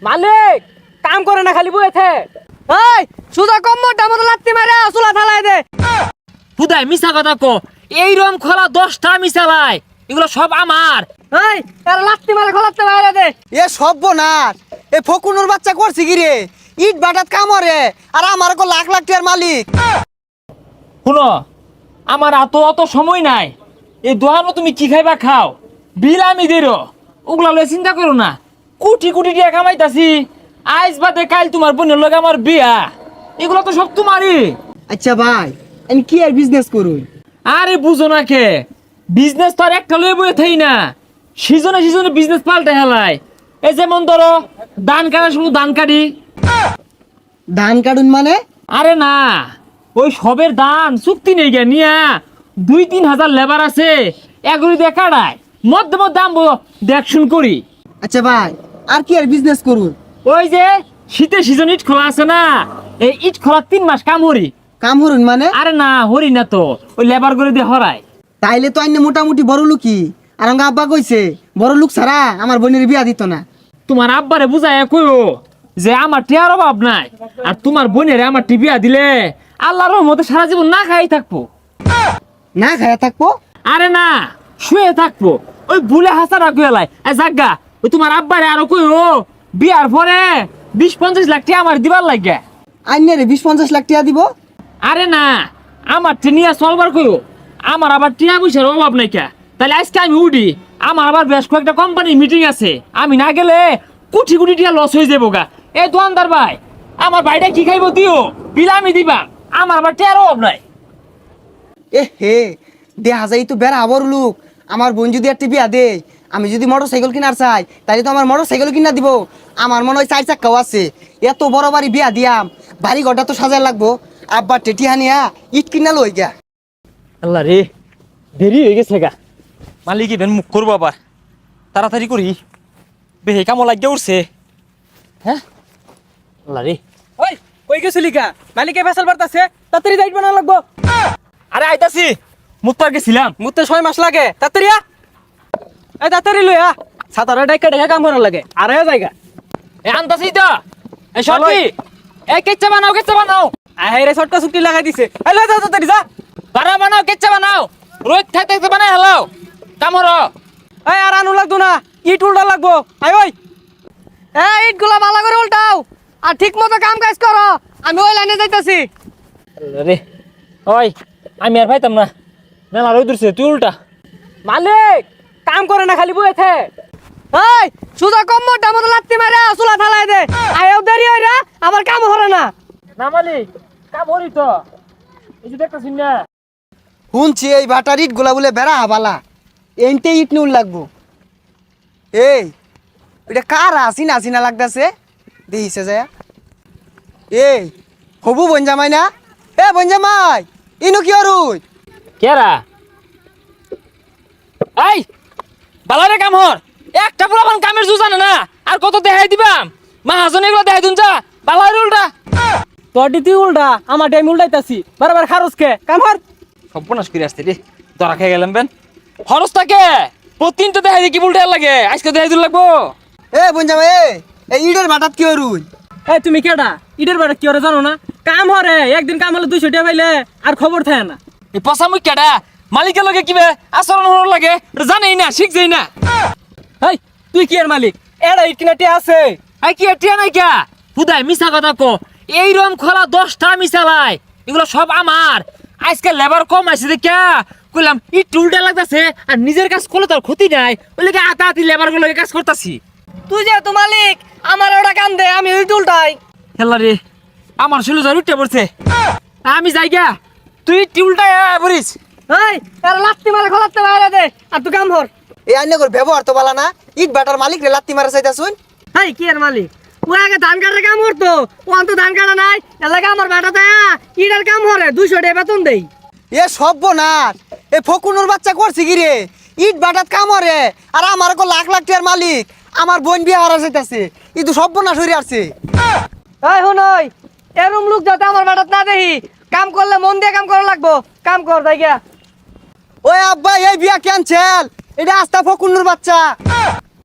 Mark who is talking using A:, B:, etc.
A: মালিক কাম করে না খালি বইতে। এই সুদা কম মোটা মতো লাত্তি মারে চুলা থালাই দে।
B: হুদাই মিছা কথা কো, এই রম খোলা 10টা মিশালাই, এগুলো সব আমার।
A: এই এর লাত্তি মারে খোলাতে বাইরে দে।
C: এ সর্বনাশ, এ ফকুনুর বাচ্চা করছে কি রে? ইট বাটাত কামরে আর আমার কো লাখ লাখ টাকার মালিক।
B: শুনো, আমার অত সময় নাই। এই দোহানো তুমি কি খাইবা খাও, বিল আমি দেরো, ওগুলা লয়ে চিন্তা করো না। কোটি কোটি টাকা কামাইতাছি, আইজ বাদে কাল তোমার বোনের লগে আমার বিয়া, এগুলো তো সব তোমারই।
C: আচ্ছা ভাই, আমি কি আর বিজনেস করুন?
B: আরে বুঝো না কে, বিজনেস তো আর একটা লয়ে বয়ে থাই না, সিজনে সিজনে বিজনেস পাল্টে হেলায়। এই যেমন ধরো ধান কাটা শুধু ধান কাটি।
C: ধান কাটুন মানে?
B: আরে না, ওই সবের ধান চুক্তি নেই গে নিয়া 2-3 হাজার লেবার আছে, এগুলি দিয়ে কাটায় মধ্যে মধ্যে আমবো দেখশুন করি।
C: আচ্ছা ভাই, আর কি আর বিজনেস করুন?
B: ওই যে শীতের সিজন ইট খোলা আছে না, এই ইট খোলা 3 মাস কাম হরি।
C: কাম হরুন মানে?
B: আরে না হরি না তো, ওই লেবার করে দিয়ে হরায়।
C: তাইলে তো আইনে মোটামুটি বড় লোকই। আর আমার আব্বা কইছে বড় লোক ছাড়া আমার বোনের বিয়া দিত না।
B: তোমার আব্বারে বুঝায় কইও যে আমার টিয়ার অভাব নাই, আর তোমার বোনের আমার টিবিয়া দিলে আল্লাহর রহমতে সারা জীবন না খাই থাকবো।
C: না খায়া থাকবো?
B: আরে না, শুয়ে থাকবো। ওই ভুলে হাসা রাখো এলাই জাগা, ওই তোমার আব্বারে আরো কইও বিয়ার পরে 20-50 লাখ টাকা আমার দিবার লাগে।
C: আইনে রে 20-50 লাখ টাকা দিব?
B: আরে না, আমার টিনিয়া চলবার কইও, আমার আবার টিয়া পয়সার অভাব নাই কে। তাহলে আজকে আমি উঠি, আমার আবার বেশ কয়েকটা কোম্পানির মিটিং আছে, আমি না গেলে কোটি কোটি টাকা লস হয়ে যাবো গা। এই দোকানদার ভাই, আমার ভাইটা কি খাইবো দিও, বিল আমি দিবা, আমার আবার টিয়ার অভাব নাই।
C: এ হে, দেখা যায় তো বেড়া বড় লোক। আমার বোন যদি একটা বিয়া দে, আমি যদি মোটর সাইকেল কিনার চাই, তাহলে তো আমার মোটর সাইকেল কিনা দিব। আমার মনে হয় 4 চাক্কাও আছে। এত বড় বাড়ি বিয়া দিয়াম, বাড়ি ঘরটা তো সাজায় লাগবো। আব্বা টেটি হানিয়া ইট কিনা লই গা।
B: আল্লাহ রে, দেরি হয়ে গেছে গা। মালিক ইভেন মুখ করবো আবার, তাড়াতাড়ি করি, বেহে কামো লাগিয়ে উঠছে। হ্যাঁ আল্লাহ রে।
A: ওই কই গেছিলি কা? মালিকে ফেসাল বাড়তাছে, তাড়াতাড়ি যাইব না লাগবো।
B: আরে আইতাছি, মুত্তার গেছিলাম।
A: মুতে 6 মাস লাগে, তাড়াতাড়ি আ। এই তাড়াতাড়ি লই আ, সাতারে ডাইকা ডাইকা কাম করা লাগে। আর এ জায়গা
B: এ আনতাছি তো, এই সরকি, এই কেচ্চা বানাও, কেচ্চা বানাও।
A: আহে রে ছটকা চুক্তি লাগাই দিছে। এই লই যা তাড়াতাড়ি যা।
B: বানাও বানাও, কেচ্চা বানাও, রোজ থাকতে থাকতে বানাই হেলাও কামর।
A: এই আর আনু লাগতো না, ইট উল্টা লাগবো। আই ওই এই ইট গুলা ভালো করে উল্টাও আর ঠিক মতো কাম কাজ করো। আমি ওই লাইনে যাইতাছি।
B: রে ওই, আমি আর পাইতাম না, মেলা রোদ উঠছে, তুই উল্টা।
A: মালিক কাম করে না খালি বইতে। এই সুদা কম মোটা মতো লাত্তি মারে চুলা থালাই দে। আয়ও দেরি হই রে, আমার কাম হরে না।
B: না মালিক, কাম হরি তো, এই যে দেখতেছি না।
C: শুনছি এই বাটার ইট গুলা বলে বেড়া হাবালা, এনতে ইট নুল লাগবো। এই এটা কার আসিনা আসিনা লাগতেছে, দেখিছে যায়। এই হবু বনজামাই না? এ বনজামাই, ইনু কি অরুই?
B: কেরা এই বালারে কাম হর, একটা পুরাবান কামের জু জানে না, আর কত দেখাই দিবাম। মাহাজন এগুলো দেখাই দুন যা, বালারে উল্টা।
A: তোর দিতি উল্টা, আমার টাইম উল্টাইতাছি। বারবার খারস কে কাম হর।
B: সর্বনাশ করে আসতে রে, ধরা খেয়ে গেলাম বেন। খরচ থাকে প্রতিদিন তো দেখাই দি, কি উল্টা লাগে, আজকে দেখাই দিন লাগবো।
C: এ বনজামাই, এই ইটের বাটাত কি অরুই?
A: এই তুমি কেডা? ইটের বাড়ি কি হরে জানো না? কাম হরে, একদিন কাম হলে 200 টাকা পাইলে আর খবর থাকে না।
B: এই পচা মুখ কেডা, মালিকের লগে কিবে আচরণ হওয়ার লাগে জানেই না, শিখছেই না।
A: এই তুই কি এর মালিক? এডা ইট কিনাটি আছে।
B: এই কি টিয়া নাই কে? হুদাই মিছা কথা কো, এই রম খোলা 10টা মিশালাই, এগুলো সব আমার। আজকে লেবার কম আছে দেখা কইলাম ইট উল্টা লাগতাছে, আর নিজের কাজ করলে তোর ক্ষতি নাই, ওই লেগে আতি লেবার গুলো কাজ করতাছি।
A: তুই যেহেতু মালিক, আমার ওটা কাম দে, আমি ইট উল্টাই।
B: হেলা রে, আমার শুলো জ্বর উঠে পড়ছে, আমি যাই গা, তুই ইট উল্টা পড়িস।
A: এই এর লাত্তি মারে খোলাতে বাইরে দে, আর তুই কাম হর।
C: এই আইনে করে ব্যবহার তো বালা না। ইট বাটার মালিক রে লাত্তি মারা চাইতা শুন।
A: এই কি এর মালিক? ও আগে ধান কাটার কাম করতো, ও তো ধান কাটা নাই। এলাকা আমার বেটা দেয়া ইটের কাম হরে, 200 টাকা বেতন দেই।
C: এ সর্বনাশ, এ ফকুনুর বাচ্চা করছে কি রে? ইট বাটাত কামরে আর আমার কো লাখ লাখ টাকার মালিক। আমার বোন বিয়া হারা যাইতাছে, ই তো সর্বনাশ হইরে আসছে।
A: এই হুনই, এরম লোক যাতে আমার বেটাত না দেখি। কাম করলে মন দিয়ে কাম করা লাগবো। কাম কর যাই গিয়া।
C: ওই আব্বা, এই বিয়া ক্যান্সেল। এটা আস্তা ফকুনুর বাচ্চা।